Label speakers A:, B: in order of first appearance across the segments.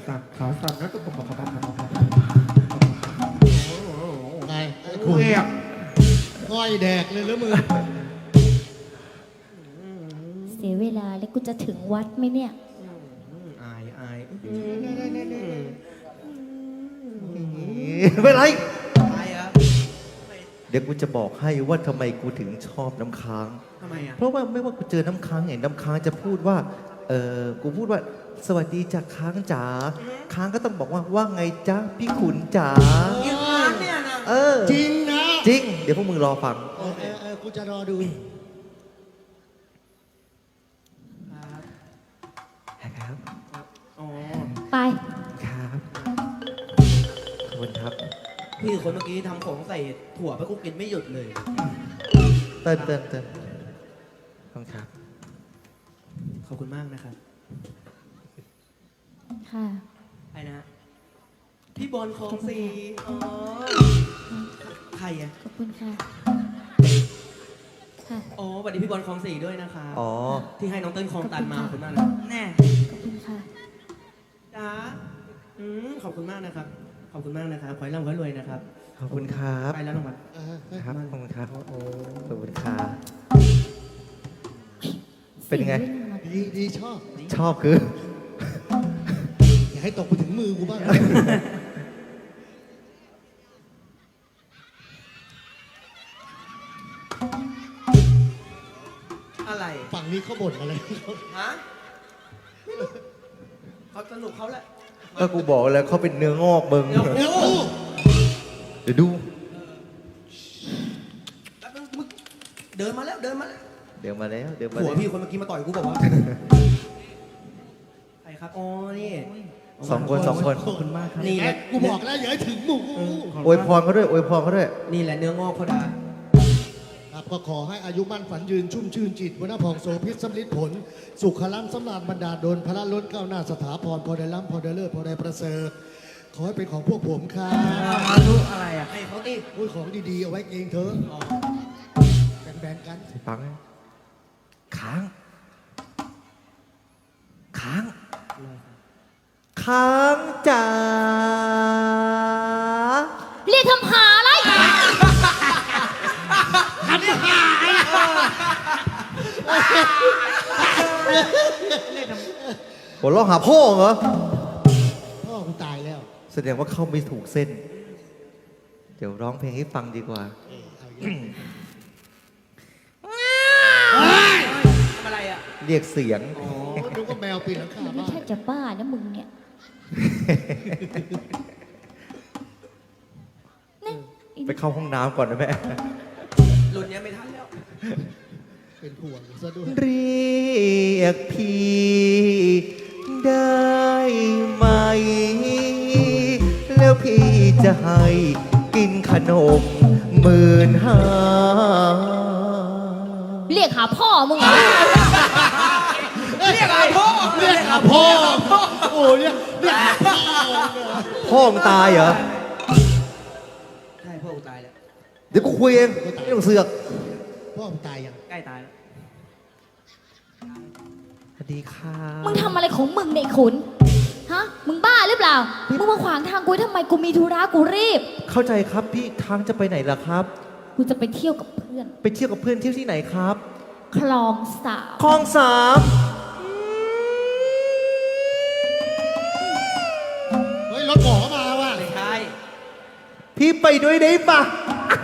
A: สั่นขาสั่นแล้วก็
B: ไง
A: ครูเอก
B: ก้อยแดกเลยแล้วมือ
C: เสียเวลาแล้วกูจะถึงวัดไหมเนี่ย
A: อาย
D: ไม่ไร
A: อายอ่ะ
D: เดี๋ยวกูจะบอกให้ว่าทำไมกูถึงชอบน้ำค้าง
A: ทำไมอ่ะ
D: เพราะว่าไม่ว่ากูเจอน้ำค้างไงน้ำค้างจะพูดว่า กูพูดว่า สวัสดีจ้ะค้างจ๋า ค้างก็ต้องบอกว่าไงจ๊ะพี่ขุนจ๋า
A: อีกครั้งเนี่ยนะ
B: จริงนะ
D: จริง เดี๋ยวพวกมึงรอฟัง
B: กูจะรอดู
D: ครับ
A: อ๋อ
C: ไป
D: ครับขอบคุณครับ
A: พี่คนเมื่อกี้ทำของใส่ถั่วไปกูกินไม่หยุดเลย
D: เติ้ลขอบคุณครับ
A: ขอบคุณมากนะครับ
C: ค่ะ
A: ไอ้นะ พี่บอลของสีอ๋อ ใครอ่ะ
C: ขอบคุณค่ะ ค่ะ
A: อ๋อสวัสดีพี่บอลของสีด้วยนะคะ
D: อ๋อ
A: ที่ให้น้องเติ้ลคลองตันมาขอบคุณมากนะแน่
C: ขอบคุณค่ะ
A: จ้าขอบคุณมากนะครับ ขอบคุณมากนะครับ ขอให้ร่ำขอให้รวยนะครับ
D: ขอบคุณครับ
A: ไปแล้วน้องมัน
D: ครับ ขอบคุณครับ ขอบคุณครับ เป็นไง
B: ดีชอบ
D: ชอบคือ
B: อย่าให้ตกไปถึงมือกูบ้าง
A: อะไร
B: ฝั่งนี้เขาบ่นอะไร
A: ฮะไม่รู้เขาสนุกเขาแหละ
D: ก็กูบอกแล้วเขาเป็นเนื้องอกมึง
A: เดี๋ยวกู
D: เดี๋ยวดู
A: แป๊บนึงมึงเดินมาแล้ว
D: เดี๋ยวมาแล้ว เดี๋ยวมา
A: ผั
D: แล้ว
A: วพี่คนเมื่อกี้มาต่อยกูบอกว่า ใครครับ อ๋อ นี่
D: สองคน
A: ขอบคุณมากครับนี่แหละ
B: กูบอกแล้วอย่าให้ถึงหมู
D: อวยพรเขาด้วยอวยพรเขาด้วย
A: นี่แหละเนื้องอกเขาด่า
B: ครับก็ขอให้อายุมั่นฝันยืนชุ่มชื่นจิตวนาผ่องโสพิษสำลิดผล สุขล้ำสำราญบรรดาลดลพระล้นก้าวหน้าสถาพรพอได้ล้ำพอได้เลิศพอได้ประเสริฐขอให้เป็นของพวกผมครับ
A: มาดูอะไรอ่ะให้เขาดิ
B: อุ้ยของดีๆเอาไว้เองเถอะ
A: อ๋อ
B: แบ่งๆกัน
D: ฟังนะค้าง ค้าง ค้างจ๋า
C: เรียกทำหาอะไร
D: หัวเราะหาพ่อเหรอ
B: พ่อกูตายแล้ว
D: แสดงว่าเข้าไม่ถูกเส้น เดี๋ยวร้องเพลงให้ฟังดีกว่า
B: เอาอย่างนี้
A: ทำอะไรอ่ะ
D: เรียกเสียง
A: อ๋อ
B: ดูว่าแมวปีนหลังคา
C: ไม่
B: บ้าน
C: ใช่จะบ้านะมึงเนี่ยนี่
D: ไปเข้าห้องน้ำก่อนนะแม่
A: รุ่นเนี้ยไม่ทันแล้ว
B: เป็นห่วงซะด้วย
D: เรียกพี่ได้ไหม แล้วพี่จะให้กินขนม15,000
C: เรียกหาพ่อมึงเหรอ
A: เรียกอะไรพ่อ
B: เรียกหาพ่อโอ้เรียกหาพ่อ
D: พ่อมึงตายเหรอ
A: ใช่พ่อกูตายแล้ว
D: เดี๋ยวกูคุยเองไม่ต้องเสือก
B: พ่อมึงตายยัง
A: ใกล้ตายแล้ว
D: สวัสดีค่ะ
C: มึงทำอะไรของมึงเนี่ยไอ้ขุน ฮะ มึงบ้าหรือเปล่า มึงมาขวางทางกูทำไมกูมีธุระกูรีบ
D: เข้าใจครับพี่ทางจะไปไหนล่ะครับ
C: กูจะไปเที่ยวกับเพื่อน
D: ไปเที่ยวกับเพื่อนเที่ยวที่ไหนครับ
C: คลองสาว
D: คลองสาม
B: เฮ้ยรถหมอมาว่ะ
A: ไม่ใช่
D: พี่ไปด้วยได้ปะ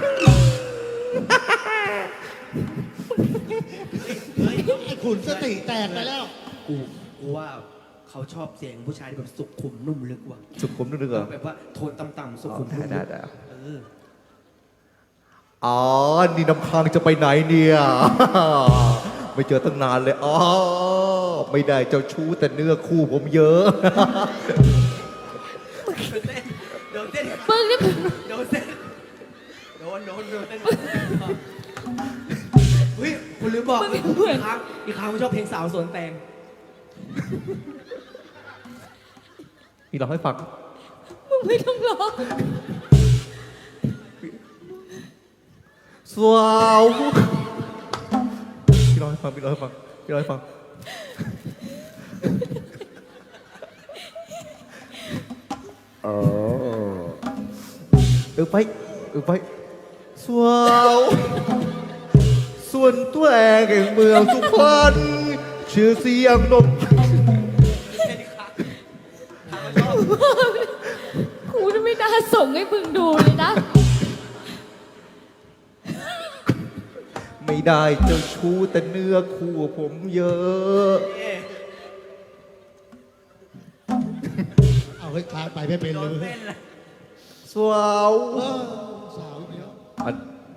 B: ไอ้ขุนสติแตกไปแล้ว
A: กูว่าเขาชอบเสียงผู้ชายที่แบบสุขุมนุ่มลึกว่ะ
D: สุขุมนึกเหรอ
A: แบบว่าโทนต่ำๆสุขุมนุ่ม
D: ได้
A: ลึก
D: ได้
A: เออ
D: อ๋อ นี่น้ำค้างจะไปไหนเนี่ย ไม่เจอตั้งนานเลย อ๋อ ไม่ได้เจ้าชู้แต่เนื้อคู่ผมเยอะ
A: โดนเต้น
C: มึงนี่
A: โดนเต้นโดนเต้นเฮ้ยคุณลืมบอกอีกครั้งผมชอบเพลงสาวสวนแตง
D: พี่ร้องให้ฟัง
C: มึงไม่ต้องร้อง
D: สาวพี่ร้องให้ฟัง พี่ร้องให้ฟัง พี่ร้องให้ฟังไปสวาวส่วนตัวแองแห่งเมืองสุพรรณชื่อเสียงนม
C: กูไม่น่าส่งให้มึงดูเลยนะ
D: ไม่ได้เจ้าชู้แต่เนื้อคู่ผมเยอะ
B: เอาให้ทางไปไม่เป็น
A: โด
B: เล
A: น
B: ย
A: เต้นเลย
D: สวาว
B: สาวอีกแล้ว
D: อัน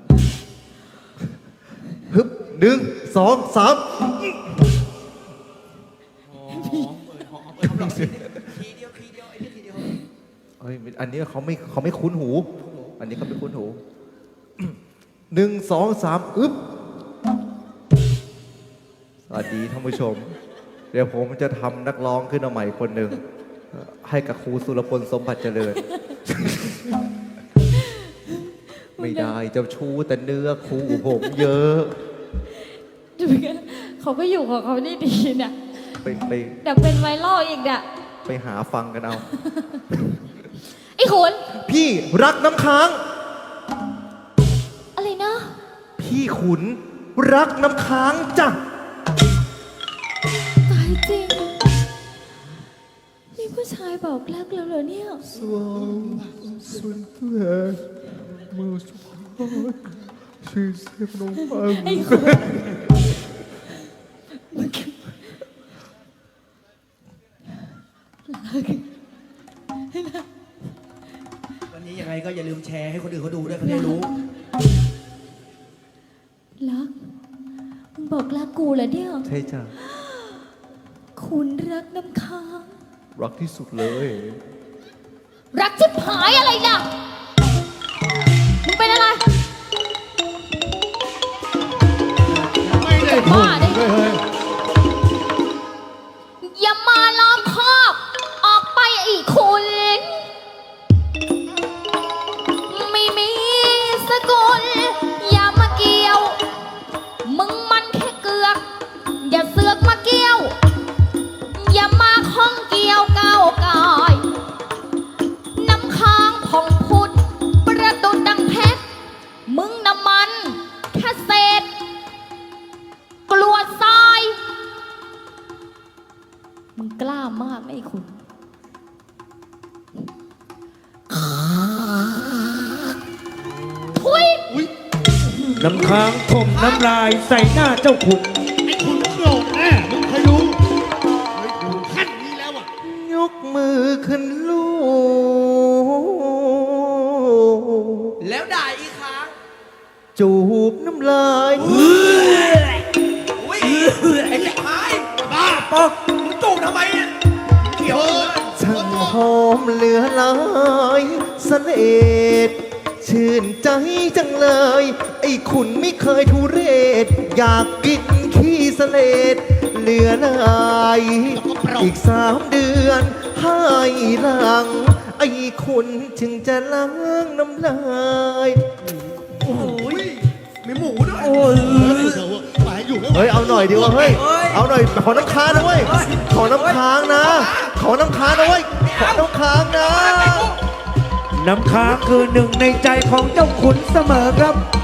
D: ฮึบ1 2 3
A: หอมทีเดียวไอ้นี่ทีเดียว
D: เฮ้ยอันนี้เขาไม่คุ้นหู อันนี้เขาไม่คุ้นหู 1 2 3อึ๊บสวัสดีท่านผู้ชม เดี๋ยวผมจะทำนักร้องขึ้นมาใหม่คนหนึ่งให้กับครูสุรพลสมบัติเจริญ ไม่ได้เจ้าชู้แต่เนื้อคู่ผมเยอะ
C: ดูกันเขาก็อยู่ของเขาได้ดีเนี่ย
D: ไป
C: แต่เป็นไวรัลอีกเนี่ย
D: ไปหาฟังกันเอา
C: ไอ้ขุน
D: พี่รักน้ำค้าง
C: อะไรนะ
D: พี่ขุนรักน้ำค้างจ้ะ
C: ตายจริง นี่ผู้ชายบอกรักเราเหรอเนี่ย
D: สวาวส่วนตัวเมืองสุพรรณชื่อเสียงนมปัง
C: ไอ้ขุน
A: วันนี้ยังไงก็อย่าลืมแชร์ให้คนอื่นเขาดูด้วยเขาได้รู้
C: รัก มึงบอกรักกูเหรอเนี่ย
D: ใช่จ้ะ
C: คุณรักน้ำค้าง
D: รักที่สุดเลย
C: รักชิบหายอะไรล่ะ มึงเป็นอะไร
B: ไม่ได้ผล
C: บ้าดิ
B: เฮ้ย
C: อย่ามาล้อมคอกออกไปอีกคุณ ไม่มีสกุล อย่ามาเกี่ยว มึงมันแค่เกือก อย่าเสือกมาเกี่ยว อย่ามาข้องเกี่ยวก้าวกาย น้ำค้างผ่องพุดประดุดดังเพชร มึงน้ำมันแค่เศษ กลัวทราย มึงกล้ามากนะไอ้คุณ ทุย
E: น้ำค้างถมน้ำลายใส่หน้าเจ้าขุน
B: ไอ้คุณโกรธแน่มึงเคยดูเฮ้ยดูขั้นนี้แล้วอ่ะ
D: ยกมือขึ้นลูก
A: แล้วด่าอีกครั้ง
D: จูบน้ำลาย
A: อุ้ยไอ้เจ้าหายบ้าปอกมึงจูบทำไมเนี่ยเขียวเลย
D: ช่างหอมเหลือหลายเสลดชื่นใจจังเลย ไอ้ขุนไม่เคยทุเรศ อยากกินขี้เสลดเหลือหลายอีก3 เดือนให้หลัง ไอ้ขุนจึงจะล้างน้ำลาย
A: โอ้ยมีหมูด้วย
B: เดี๋ยวหมายอยู่แล้ว
D: เฮ้ย เอาหน่อยดีวะเฮ้ย เอาหน่อย ขอน้ำค้างนะเว้ย ขอน้ำค้างนะ ขอน้ำค้างนะเว้ย ขอน้ำค้างนะ
E: น้ำค้างคือหนึ่งในใจของเจ้าขุนเสมอครับ